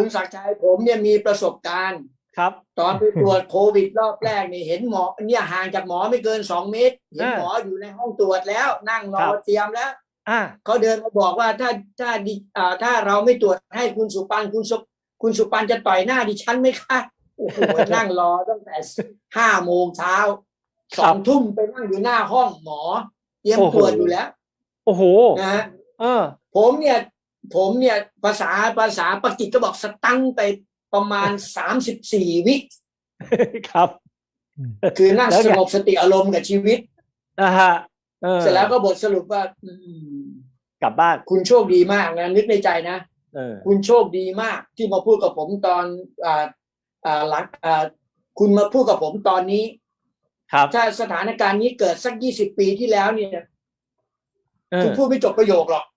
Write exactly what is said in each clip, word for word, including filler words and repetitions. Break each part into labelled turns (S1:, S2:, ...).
S1: ศักดิ์ชัยผมเนี่ยมีประสบการณ์
S2: ครับ
S1: ตอนไปตรวจโควิดรอบแรกนี่เห็นหมอเนี่ยห่างจากหมอไม่เกินสองเมตรเห็นหมออยู่ในห้องตรวจแล้วนั่งรอเตรียมแล้ว
S2: อ่า
S1: เขาเดินมาบอกว่าถ้าถ้าดิอ่าถ้าเราไม่ตรวจให้คุณสุปันคุณสุคุณสุปันจะต่อยหน้าดิฉันไหมคะโอ้โหนั่งรอตั้งแต่ห้าโมงเช้าสองทุ่มไปนั่งอยู่หน้าห้องหมอเตรียมตรวจอยู่แล้ว
S2: โอ้โห
S1: นะฮะ
S2: เออ
S1: ผมเนี่ยผมเนี่ยภาษาภาษาปากีสก็บอกสตังไปประมาณสามสิบสี่วิ
S2: ครับ
S1: คือนั่งสงบสติอารมณ์กับชีวิต
S2: นะฮะ
S1: เสร็จแล้วก็บทสรุปว่า
S2: กลับบ้าน
S1: คุณโชคดีมากนะนึกในใจนะคุณโชคดีมากที่มาพูดกับผมตอนอ่าอ่าหลังอ่าคุณมาพูดกับผมตอนนี้
S2: ครับ
S1: ถ้าสถานการณ์นี้เกิดสักยี่สิบปีที่แล้วเนี่ยคุณพูดไม่จบประโยคหรอก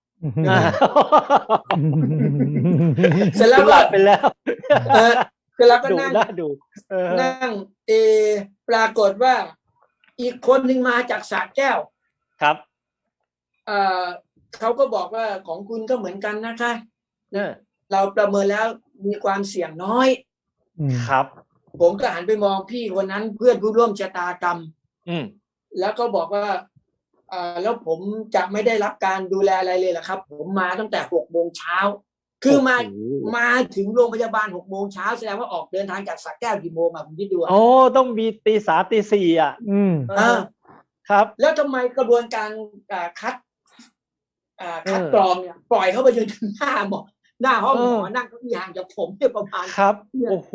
S1: เสร็จแล้วก็
S2: ไปแล้ว
S1: เสร็จแล้วก็นั่ง
S2: ดู
S1: นั่งเอปรากฏว่าอีกคนหนึ่งมาจากสระแก้ว
S2: ครับ
S1: เอ่อเขาก็บอกว่าของคุณก็เหมือนกันนะคะเราประเมินแล้วมีความเสี่ยงน้อย
S2: ครับ
S1: ผมก็หันไปมองพี่คนนั้นเพื่อนผู้ร่วมชะตากรรมแล้วก็บอกว่าอ่าแล้วผมจะไม่ได้รับการดูแลอะไรเลยเหรอครับผมมาตั้งแต่หกโมงเช้าคือมามาถึงโรงพยาบาลหกโมงเช้าแสดงว่าออกเดินทางจากสระแก้วกี่โมงอ่ะผมคิดดู
S2: โอ้ต้องมีตีสามตีสี่อ่ะ
S1: อืมอ่า
S2: ครับ
S1: แล้วทำไมกระบวนการอ่าคัดอ่าคัดกรองเนี่ยปล่อยเขาไปจนถึงหน้าหมอหน้าห้องหมอนั่งเก้าอี้ห่างจากผมเนี่ยประมาณ
S2: ครับโอ้โห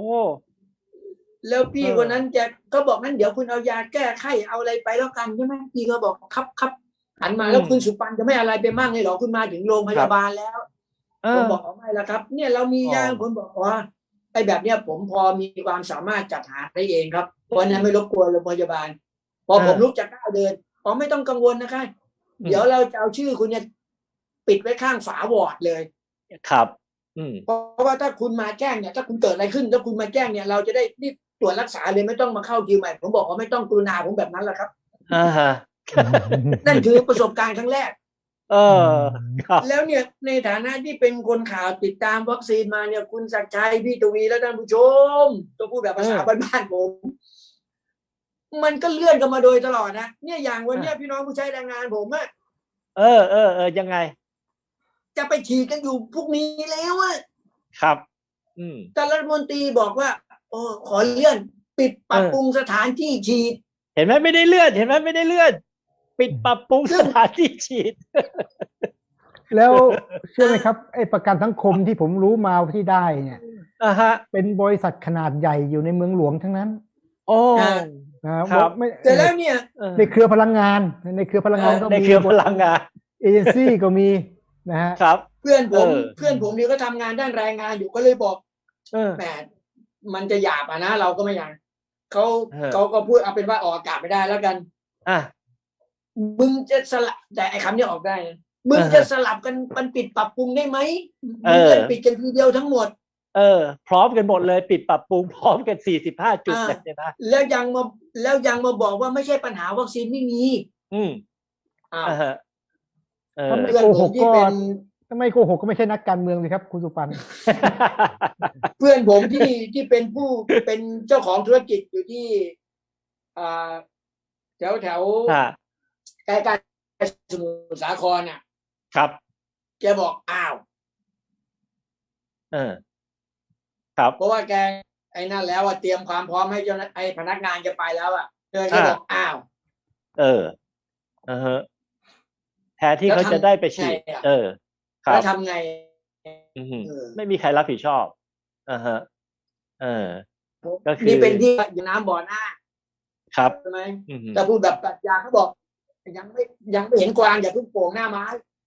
S1: แล้วพี่คนนั้นจะก็บอกนั้นเดี๋ยวคุณเอายาแก้ไข้เอาอะไรไปแล้วกันใช่ไหมพี่ก็บอกครับครับหันมาแล้วคุณสุปันจะไม่อะไรไปมั่งเลยหรอคุณมาถึงโรงพยาบาลแล้วผมบอกไม่ละครับเนี่ยเรามียาผมบอกว่าไอ้แบบเนี้ยผมพอมีความสามารถจัดหาได้เองครับเพราะนั้นไม่รบกวนโรงพยาบาลพอผมลุกจากก้าวเดินอ๋อไม่ต้องกังวลนะคะเดี๋ยวเราจะเอาชื่อคุณเนี่ยปิดไว้ข้างฝาวอร์ดเลย
S2: ครับ
S1: เพราะว่าถ้าคุณมาแจ้งเนี่ยถ้าคุณเกิดอะไรขึ้นถ้าคุณมาแจ้งเนี่ยเราจะได้รีบตรวจรักษาเลยไม่ต้องมาเข้าคิวใหม่ผมบอกว่าไม่ต้องกรุณาผมแบบนั้นแหละครับ
S2: อ่าฮะ
S1: นั่นคือประสบการณ์ครั้งแรก
S2: เออ
S1: แล้วเนี่ยในฐานะที่เป็นคนข่าวติดตามวัคซีนมาเนี่ยคุณศักดิ์ชัยพี่ทวีและท่านผู้ชมต้องพูดแบบภาษาบ้านๆผมมันก็เลื่อนกันมาโดยตลอดนะเนี่ยอย่างวันนี้พี่น้องผู้ใช้แรงงานผมอะ
S2: เออเออเออยังไง
S1: จะไปฉีดกันอยู่พรุ่งนี้แล้วอะ
S2: ครับอืม
S1: แต่รัฐมนตรีบอกว่าโอ้ขอเลื่อนปิดปรับปรุงสถานที่ฉีด
S2: เห็นไหมไม่ได้เลื่อนเห็นไหมไม่ได้เลื่อนปิดปรับปรุงสถานที่ฉีด
S3: แล้วเชื่อไหมครับไอ้ประกันสังคมที่ผมรู้มาที่ได้เนี่ย
S2: อ่าฮะ
S3: เป็นบริษัทขนาดใหญ่อยู่ในเมืองหลวงทั้งนั้น
S2: โอ้
S1: ครับแต่แล้วเนี่ย
S3: ในเครือพลังงานในเครือพลังงานก็มี
S2: ในเครือพลังงาน
S3: เอเจนซี่ก็มีนะฮะ
S2: ครับ
S1: เพื่อนผมเพื่อนผมนี่ก็ทำงานด้านแรงงานอยู่ก็เลยบอกแหมมันจะหยาบอ่ะนะเราก็ไม่อยากเขาเขาก็พูดเอาเป็นว่าออกอากาศไม่ได้แล้วกัน
S2: อ่ะ
S1: มึงจะสลับแต่ไอ้คำนี้ออกได้นะมึงจะสลับกันมันปิดปรับปรุงได้ไหมมึงจะปิดกันทีเดียวทั้งหมด
S2: เออพร้อมกันหมดเลยปิดปรับปรุงพร้อมกันสี่สิบห้าจุดเลยนะ
S1: แล้วยังมาแล้วยังมาบอกว่าไม่ใช่ปัญหาวัคซีนไม่มี
S2: อืม
S1: อ่า
S3: เออเพื่อนผมที่เป็นทำไมโกหกก็ไม่ใช่นักการเมืองเลยครับคุณสุปัน
S1: เพื่อนผมที่ที่เป็นผู้เป็นเจ้าของธุรกิจอยู่ที่อ่าแถวแถวใกล้ๆสมุทรสาครน่ะ
S2: ครับ
S1: แกบอกอ้าว
S2: เออครับ
S1: เพราะว่าแกไอ้นั่นแล้วว่าเตรียมความพร้อมให้เจ้าไอ้พนักงานแกไปแล้วอ่ะแกบอกอ้าว
S2: เออเออแทนที่เขาจะได้ไปฉีดเออ
S1: ครับแล้วทำไง
S2: ไม่มีใครรับผิดชอบอ่าฮะเออ
S1: ก็คือนี่เป็นที่อยู่น้ำบ่อหน้า
S2: ครับ
S1: ใช่ไหมแต่พูดแบบปรัชญาเขาบอกยังไม่ยังไม่เห็นกวางอย่าเพิ่งโป่งหน้าไม้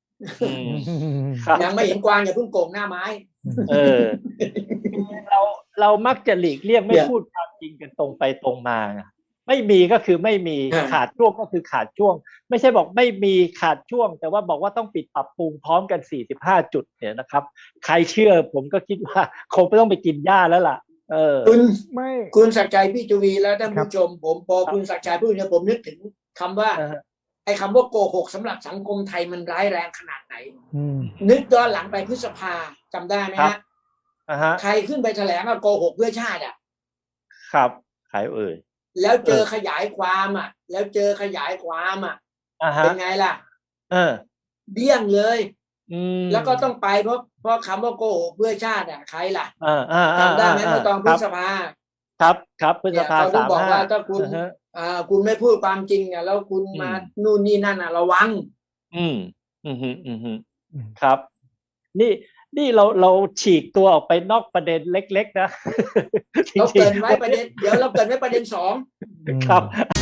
S1: ยังไม่เห็นกวางอย่าเพิ่งโป่งหน้าไม้
S2: เออเราเรามักจะหลีกเลี่ยงไม่พูดความจริงกันตรงไปตรงมาไม่มีก็คือไม่มีขาดช่วงก็คือขาดช่วงไม่ใช่บอกไม่มีขาดช่วงแต่ว่าบอกว่าต้องปิดปรับปรุงพร้อมกันสี่สิบห้าจุดเนี่ยนะครับใครเชื่อผมก็คิดว่าคงไม่ต้องไปกินหญ้าแล้วล่ะเออ
S1: คุณไม่คุณศักดิ์ชัยพี่จุวีและท่านผู้ชมผมพอคุณศักดิ์ชัยพูดเนี่ยผมนึกถึงคำว่าไอ้คำว่าโกหกสำหรับสังคมไทยมันร้ายแรงขนาดไหนนึกย้อนหลังไปพฤษภาจำได้ไหมฮะ
S2: อ่าฮะ
S1: ใครขึ้นไปแถลงว่าโกหกเพื่อชาติอ่ะ
S2: ครับใครเอ่ย
S1: แล้วเจอขยายความอ่ะ แล้วเจอขยายความอ่ะ
S2: อ่าฮะ
S1: เป็นไงล่ะ
S2: เออ
S1: เดี้ยงเลย
S2: อืม
S1: แล้วก็ต้องไปเพราะเพราะคำว่าโกหกเพื่อชาติอ่ะใครล่ะ
S2: อ่าอ่าอ่า
S1: จำได้ไหมเมื่อตอนพฤษภา
S2: ครับครับพฤษภา
S1: เนี่ยเขาถึ
S2: สาง ม
S1: บอก
S2: ห้า
S1: ว่าถ้าคุณ
S2: อ่าฮะ
S1: อ่าคุณไม่พูดความจริงอ่ะแล้วคุณ
S2: อืม
S1: มานู่นนี่นั่นอ่ะระวัง
S2: อืมอืมอืมอืมอืมครับ นี่นี่เราเราฉีกตัวออกไปนอกประเด็นเล็กๆนะ
S1: เรา
S2: จริง
S1: เกรินไว้ประเด็นเดี๋ยวเราเกรินไว้ประเด็นสอง
S2: ๆครับ